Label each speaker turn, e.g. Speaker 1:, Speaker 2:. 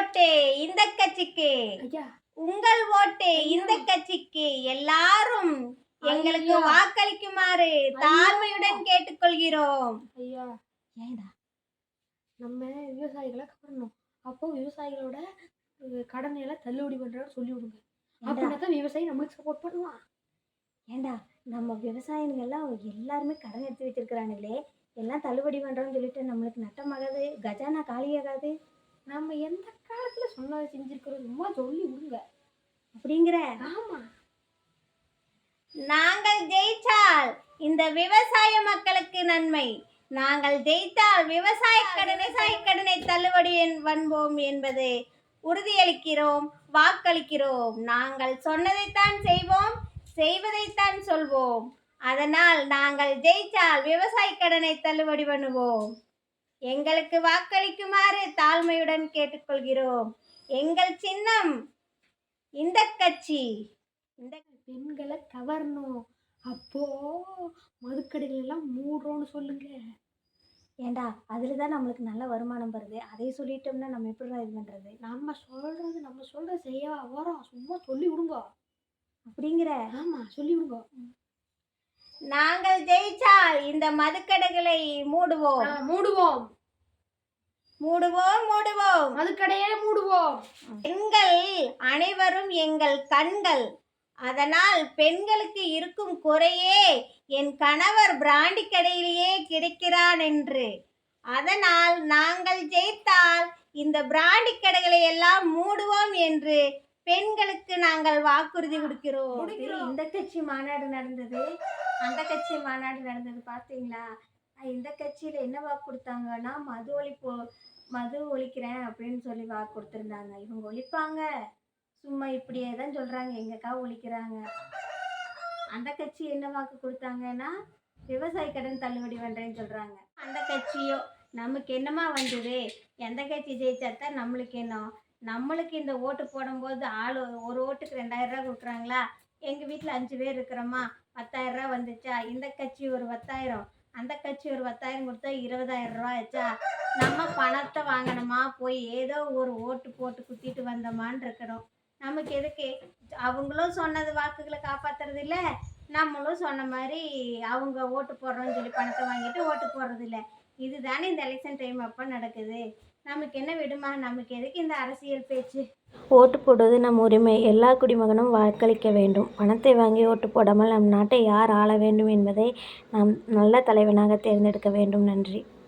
Speaker 1: ஓட்டு இந்த கட்சிக்கு, உங்கள் ஓட்டு இந்த கட்சிக்கு. எல்லாரும் எங்களுக்கு வாக்களிக்குமாறு தாழ்மையுடன் கேட்டுக்கொள்கிறோம்.
Speaker 2: ஐயா ஏண்டா நம்ம விவசாயிகளை கவரணும். அப்போ விவசாயிகளோட கடனை எல்லாம் தள்ளுபடி பண்றோம்னு சொல்லி விடுங்க. அப்படின்னா தான் விவசாயி நம்மளுக்கு சப்போர்ட் பண்ணுவான்.
Speaker 1: ஏண்டா நம்ம விவசாயிகள் எல்லாம் எல்லாருமே கடன் எடுத்து வச்சிருக்கிறானுங்களே, எல்லாம் தள்ளுபடி பண்றோம்னு சொல்லிட்டு நம்மளுக்கு நட்டமாகாது, கஜானா காலியாகாது.
Speaker 2: நம்ம எந்த காலத்துல சொன்னதை செஞ்சிருக்கிறோம், சும்மா சொல்லி விடுங்க
Speaker 1: அப்படிங்கிற.
Speaker 2: ஆமா,
Speaker 1: நாங்கள் ஜெயிச்சால் இந்த விவசாய மக்களுக்கு நன்மை. நாங்கள் ஜெயித்தால் விவசாய கடனை தள்ளுபடி பண்ணுவோம் என்பது உறுதியளிக்கிறோம், வாக்களிக்கிறோம். நாங்கள் சொன்னதைத்தான் செய்வோம், செய்வதைத்தான் சொல்வோம். அதனால் நாங்கள் ஜெயித்தால் விவசாய கடனை தள்ளுபடி பண்ணுவோம். எங்களுக்கு வாக்களிக்குமாறு தாழ்மையுடன் கேட்டுக்கொள்கிறோம். எங்கள் சின்னம் இந்த கட்சி.
Speaker 2: இந்த பெண்களை கவரணும். அப்போ மதுக்கடைகள் எல்லாம் மூடுறோம்னு சொல்லுங்க.
Speaker 1: ஏண்டா அதில் தான் நம்மளுக்கு நல்ல வருமானம் வருது. அதை சொல்லிட்டோம்னா நம்ம எப்படி இது பண்ணுறது?
Speaker 2: நம்ம சொல்கிறது செய்ய வரோம், சும்மா சொல்லி விடுங்க
Speaker 1: அப்படிங்கிற.
Speaker 2: ஆமா, சொல்லி விடுங்க.
Speaker 1: நாங்கள் ஜெயிச்சால் இந்த மதுக்கடைகளை மூடுவோம்,
Speaker 2: மூடுவோம்,
Speaker 1: மூடுவோம், மூடுவோம்,
Speaker 2: மதுக்கடையே மூடுவோம்.
Speaker 1: பெண்கள் அனைவரும் எங்கள் கண்கள். அதனால் பெண்களுக்கு இருக்கும் குறையே என் கணவர் பிராண்டி கடையிலேயே கிடைக்கிறான் என்று. அதனால் நாங்கள் ஜெயித்தால் இந்த பிராண்டி கடைகளை எல்லாம் மூடுவோம் என்று பெண்களுக்கு நாங்கள் வாக்குறுதி கொடுக்கிறோம். இந்த கட்சி மாநாடு நடந்தது, அந்த கட்சி மாநாடு நடந்தது பார்த்தீங்களா? இந்த கட்சியில் என்ன வாக்கு கொடுத்தாங்கன்னா, மது ஒழிக்கிறேன் அப்படின்னு சொல்லி வாக்கு கொடுத்துருந்தாங்க. இவங்க ஒழிப்பாங்க, சும்மா இப்படியே தான் சொல்கிறாங்க, எங்கக்கா ஒழிக்கிறாங்க. அந்த கட்சி என்ன வாக்கு கொடுத்தாங்கன்னா, விவசாய கடன் தள்ளுபடி பண்ணுறேன்னு சொல்கிறாங்க. அந்த கட்சியோ நமக்கு என்னமா வந்தது? எந்த கட்சி ஜெயிச்சாத்தான் நம்மளுக்கு என்ன? நம்மளுக்கு இந்த ஓட்டு போடும்போது ஒரு ஓட்டுக்கு 2000 ரூபா கொடுக்குறாங்களா? எங்கள் வீட்டில் 5 பேர் இருக்கிறோமா, 10,000 ரூபா வந்துச்சா? இந்த கட்சி ஒரு 10,000, அந்த கட்சி ஒரு 10,000 கொடுத்தா 20,000 ரூபா ஆச்சா? நம்ம பணத்தை வாங்கினோமா, போய் ஏதோ ஒரு ஓட்டு போட்டு குத்திட்டு வந்தோமான்னு இருக்கணும். நமக்கு எதுக்கு? அவங்களும் சொன்னது வாக்குகளை காப்பாற்றுறது இல்லை, நம்மளும் சொன்ன மாதிரி அவங்க ஓட்டு போடுறோன்னு சொல்லி பணத்தை வாங்கிட்டு ஓட்டு போடுறது இல்லை. இதுதானே இந்த எலெக்ஷன் டைம் அப்போ நடக்குது. நமக்கு என்ன விடுமா? நமக்கு எதுக்கு இந்த அரசியல் பேச்சு?
Speaker 3: ஓட்டு போடுவது நம் உரிமை. எல்லா குடிமகனும் வாக்களிக்க வேண்டும். பணத்தை வாங்கி ஓட்டு போடாமல் நம் நாட்டை யார் ஆள வேண்டும் என்பதை நாம் நல்ல தலைவனாக தேர்ந்தெடுக்க வேண்டும். நன்றி.